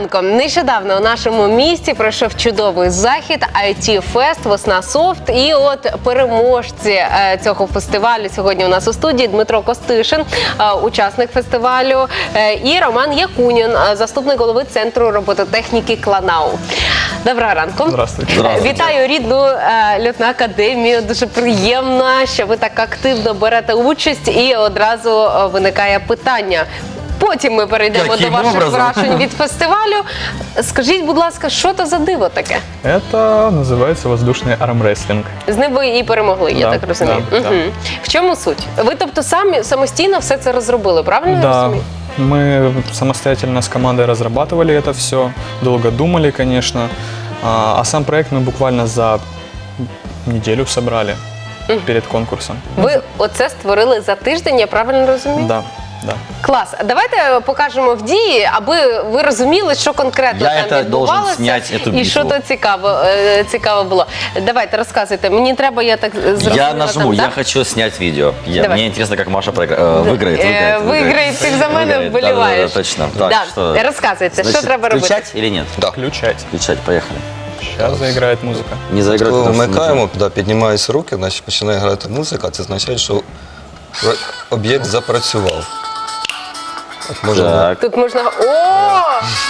ранком. Нещодавно у нашому місті пройшов чудовий захід IT-фест «Веснасофт». І от переможці цього фестивалю сьогодні у нас у студії Дмитро Костишин, учасник фестивалю, і Роман Якунін, заступник голови Центру робототехніки «Кланау». Доброго ранку. Здравствуйте. Вітаю рідну льотну академію. Дуже приємно, що ви так активно берете участь, і одразу виникає питання. Потім ми перейдемо до ваших вражень від фестивалю. Скажіть, будь ласка, що це за диво таке? Это называется воздушный армрестлинг. З ним ви і перемогли, я Да, так розумію. да, да. В чому суть? Ви, тобто, самостійно все це розробили, правильно я Да, розумію? мы самостоятельно с командой разрабатывали это все, долго думали, конечно. А сам проект мы буквально за неделю собрали перед конкурсом. Ви оце створили за тиждень, я правильно розумію? Да, да. Клас. Давайте покажемо в дії, аби ви розуміли, що конкретно там відбувалося і що то цікаво було. Давайте, розказуйте. Мені треба, я так зрозуміла. Я нажму, я хочу снять видео. Мне интересно, как Маша выиграет. Виграє, ти за мене вболіваєш. Да, точно. Так, что... Розказуйте, що треба робити? Включать или нет? Да. Включать. Включать, поехали. Сейчас заиграет музыка. Не заиграть, Коли потому что вмикаємо, піднімаються руки, значить починає грати музика, це означає, що об'єкт запрацював. От можна Так. Тут можна... О!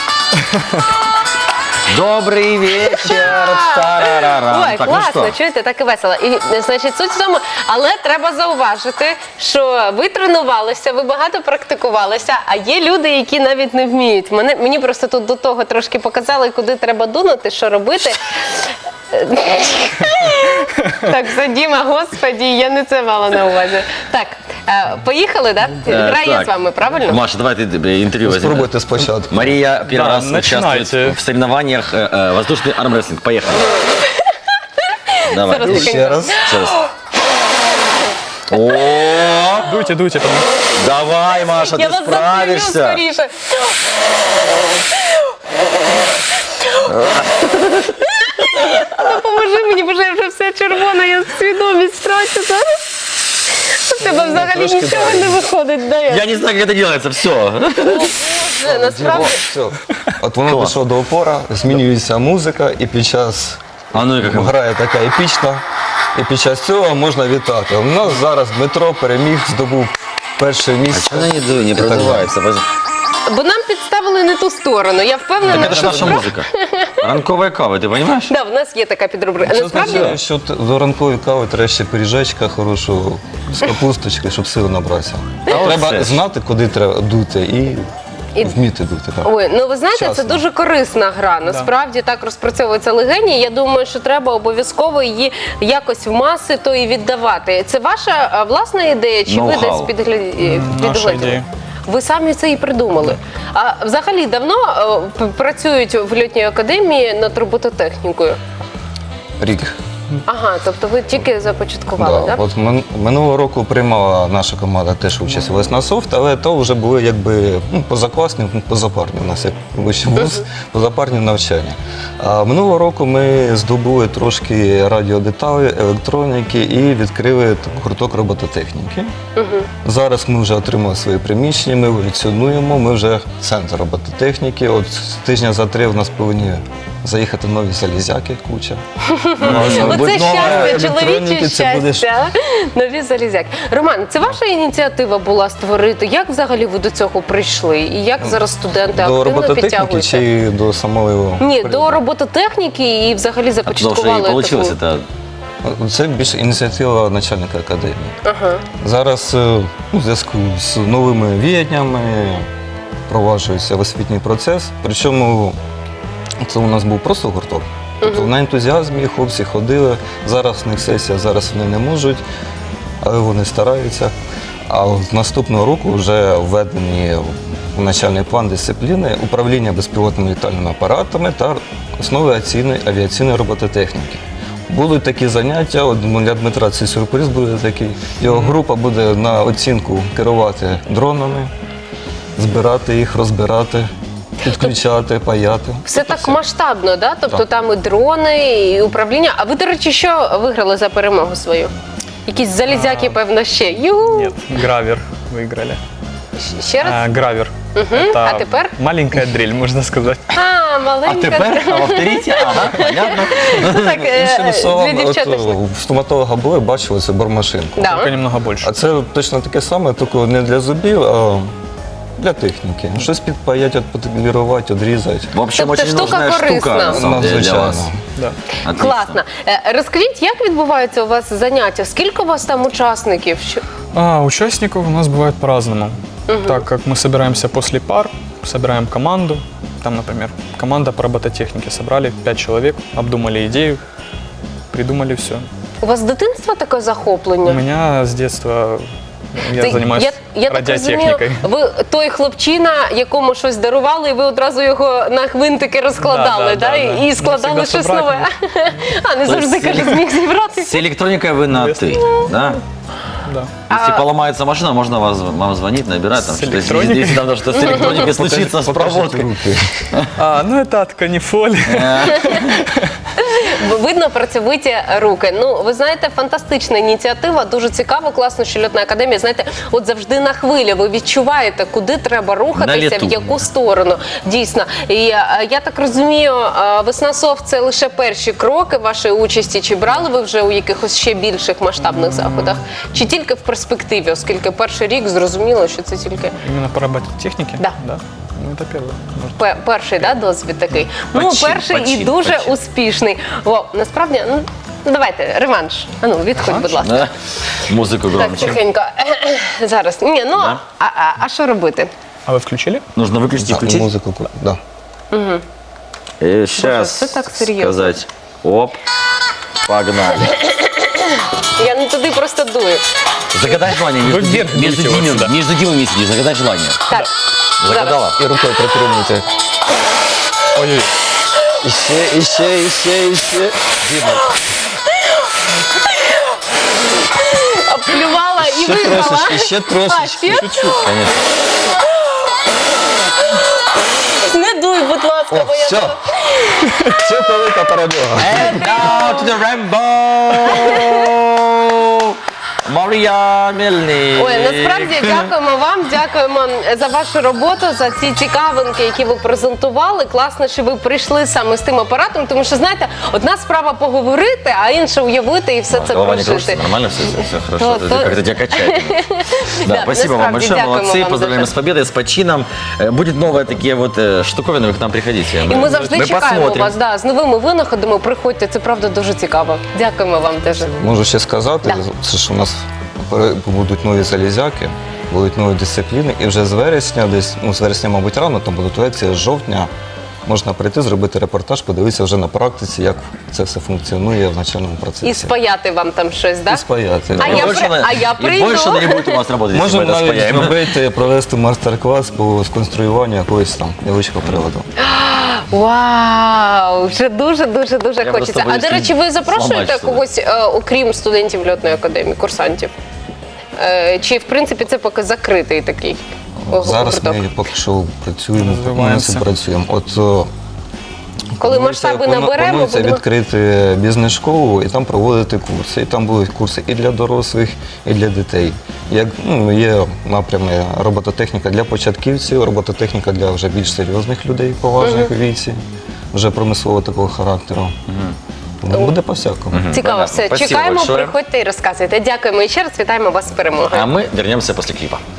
Добрий вечір. Тарарарам. Ой, Так, ну класно, що? чуєте, так і весело. І, значить, суть в тому, але треба зауважити, що ви тренувалися, ви багато практикувалися, а є люди, які навіть не вміють. Мені просто тут до того трошки показали, куди треба дунути, що робити. Так, все, Діма, господі, я не це мала на увазі. Так, поїхали, так? Грає Так. з вами, правильно? Маша, давай ты интервью возьми. спробуйте спочатку. Мария первый Да, раз начинайте. участвует в соревнованиях воздушный армрестлинг. Поехали. Давай. Зараз Ще раз. Еще раз. О, Дуйте, дуйте. Там. давай, Маша, Я ты вас запалю справишься. скоріше. Допоможи мені, бо я вже все червона, я свідомість втрачу зараз. У тебе взагалі трошки нічого далі. не виходить, да? Я не знаю, как это делается, все. Боже, насправді. Все. От воно пішло до опора, змінюється музика, і під час А ну и как грає така епічна, і під час цього можна вітати. У нас зараз Дмитро переміг, здобув перше місце. она не продувается? Бо нам підставили не ту сторону. Я впевнена, Так это же наша музыка. Ранковая кава, ты понимаешь? Да, в нас є така підрубрика. Це Насправді, означає, що до ранкової кави треба ще пиріжечка хорошого з капусточки, щоб сили набратися. Треба все ж. знати, куди треба дути і вміти дути. Так. ой, ну ви знаєте, це Вчасно. дуже корисна гра. Насправді так розпрацьовується легені. Я думаю, що треба обов'язково її якось в маси то і віддавати. Це ваша власна ідея, чи ви Ноу-хау. десь підгляділи? Наша ідея. Ви самі це і придумали. А взагалі давно працюють в льотній академії над робототехнікою? Рік. Ага, тобто ви тільки започаткували, Да. так? От минулого року приймала наша команда теж участь у «Веснасофт», але то вже були якби позакласні, позапарні. У нас як вищий вуз, позапарні навчання. А минулого року ми здобули трошки радіодеталі, електроніки і відкрили гурток робототехніки. Зараз ми вже отримали свої приміщення, ми еволюціонуємо, ми вже центр робототехніки. От тижня за 3 в нас повинні заїхати нові залізяки, куча. Оце щастя, електроніки, чоловіче це буде щастя. Нові залізяки. Роман, це ваша ініціатива була створити? Як взагалі ви до цього прийшли? І як зараз студенти До активно робототехніки підтягуються? чи до самої? Ні, до робототехніки і взагалі А потому что и започаткували получилось таку. это. Це більше ініціатива начальника академії. Ага. Зараз у зв'язку з новими віяннями впроваджується освітній процес. Причому це у нас був просто гурток. Тобто на ентузіазмі хлопці ходили, зараз в них сесія, зараз вони не можуть, але вони стараються. А з наступного року вже введені у начальний план дисципліни управління безпілотними літальними апаратами та основи авіаційної робототехніки. Будуть такі заняття, от для Дмитра цей сюрприз буде такий. Його група буде на оцінку керувати дронами, збирати їх, розбирати, підключати, паяти. Все так масштабно, да? Тобто там і дрони, і управління. А ви, до речі, що виграли за перемогу свою? Якісь залізяки, певно, ще. Югу! Нет, гравер выиграли. Ще раз? Гравер. Это А теперь? маленькая дрель, можно сказать. А, маленька. Повторите? Ага, понятно. Ну, так, Іншими для словами, дівчаток. в стоматолога були, бачили цю бормашинку. Да. Только немного больше. А це точно таке саме, тільки не для зубів, а для техніки. Щось підпаять, підполірувати, відрізати. В общем, Тобто очень штука нужная штука, корисна. на самом деле, для Надзвичайно. вас. Да. Отлично. Класно. Розкажіть, як відбуваються у вас заняття? Скільки у вас там учасників? Участников у нас бывает по-разному. Так как мы собираемся после пар, собираем команду. Там, например, команда по робототехнике. Собрали 5 человек, обдумали идею, придумали все. У вас з дитинства таке захоплення? У меня с детства я занимаюсь я так розумію, радиотехникой. ви той хлопчина, якому щось дарували, і ви одразу його на гвинтики розкладали, Да, і складали Всегда щось собрать нове. А не То завжди есть каже, зміг зібрати. С электроникой вы на «ты», да? Да. Если поломается машина, можно вам звонить, набирать. Там, С что-то, если, электроникой? если там что-то с электроникой случится, с Покажіть проводкой. руки. Ну это от канифоли. Видно працьовиті руки. Ну, ви знаєте, фантастична ініціатива, дуже цікаво, класно, що льотна академія, знаєте, от завжди на хвилі, ви відчуваєте, куди треба На рухатися, літу. в яку сторону. Дійсно. І я так розумію, Веснасофт – це лише перші кроки вашої участі, чи брали ви вже у якихось ще більших масштабних заходах, чи тільки в перспективі, оскільки перший рік зрозуміло, що це тільки Именно по робототехнике? Да. Ну это первый. Может. перший досвід такий. Ну, Почин, перший і почин, дуже почин. успішний. О, насправді, ну, давайте, реванш. Відходь, будь ласка. Да? Музыку Так, громче. тихенько. Зараз. Ні, ну, Да. а що робити? А вы включили? Нужно выключить и включить. Музику, да. И сейчас Боже, это так серьезно. сказать оп, погнали. Я не туди просто дую. Загадай желание. Вы вверх дуйте вот сюда. Между Димой сидишь, загадай желание. Так, Загадала? І рукою притримуйте. Ой-ой. Іще. Діма, обплювала і ще виграла. трошечки, ще А, трошечки. ще? Конечно. Не дуй, будь ласка, О, бо я... все. Це велика перемога. And now to the rainbow! Марія Мельник. Ой, насправді дякуємо вам, дякуємо за вашу роботу, за ці цікавинки, які ви презентували. Класно, що ви прийшли саме з тим апаратом, тому що, знаєте, одна справа поговорити, а інша уявити і все це Голова не кружится, прожити. нормально все хорошо, То- как-то тебя качает. Да, Да, спасибо вам насправді, большое, дякуємо молодцы, вам поздравляем дуже. с победой, с почином. Будет новые такие вот штуковины, вы к нам приходите. І ми завжди чекаємо посмотрим. вас, да, з новими винаходами. Приходьте, це правда дуже цікаво. Дякуємо вам теж. Можу ще сказати, це ж у нас будуть нові залізяки, будуть нові дисципліни, і вже з вересня, десь, ну з вересня, мабуть, рано, там будуть лекції, з жовтня можна прийти, зробити репортаж, подивитися вже на практиці, як це все функціонує в навчальному процесі. І спаяти вам там щось, І так? спаяти. А И я больше при- она- а я и прийду. больше она не будет у вас работать, если мы Можемо это навіть спаяем. зробити, провести майстер-клас по сконструюванню якогось там невеличкого приладу. Вау! Вже дуже Я хочеться. просто А боюсь до речі, ви запрошуєте зламати сюди. когось, окрім студентів льотної академії, курсантів? Чи в принципі це поки закритий такий Зараз гурток? ми поки що працюємо, Розвиваємося. працюємо. Коли масштаби наберемо, планується будемо... відкрити бізнес-школу і там проводити курси. І там будуть курси і для дорослих, і для дітей. Як, є напрями робототехніка для початківців, робототехніка для вже більш серйозних людей, поважних у віці, вже промислового такого характеру. Тому буде по-всякому. Цікаво, Понятно. все. Спасибо Чекаємо, большое. приходьте і розказуйте. Дякуємо і ще раз вітаємо вас з перемогою. А мы вернемся после клипа.